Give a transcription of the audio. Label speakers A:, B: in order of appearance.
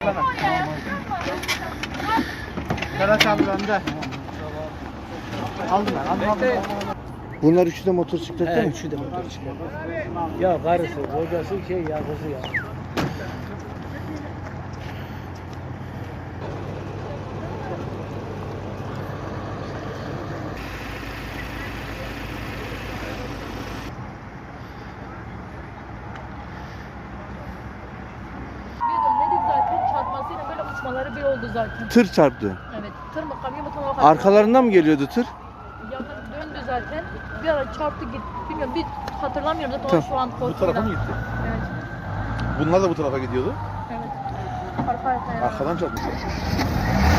A: Karaç abi bende. Aldım ben. Aldım.
B: Bunlar üçü de motosiklette mi?
C: Üçü de motosiklet. Ya karısı, kocası ya kızı ya.
D: Çarpmasıyla böyle uçmaları bir oldu zaten.
B: Tır çarptı.
D: Evet. Tır mı kamyon mu tam o kadar.
B: Arkalarından mı geliyordu tır?
D: Yakın döndü zaten. Bir ara çarptı gitti. Bilmiyorum bir hatırlamıyorum zaten
B: Tamam.
D: şu an
E: Bu tarafa mı gitti?
D: Evet.
E: Bunlar da bu tarafa gidiyordu.
D: Evet. Arka arkaya.
E: Arkadan çarpmışlar.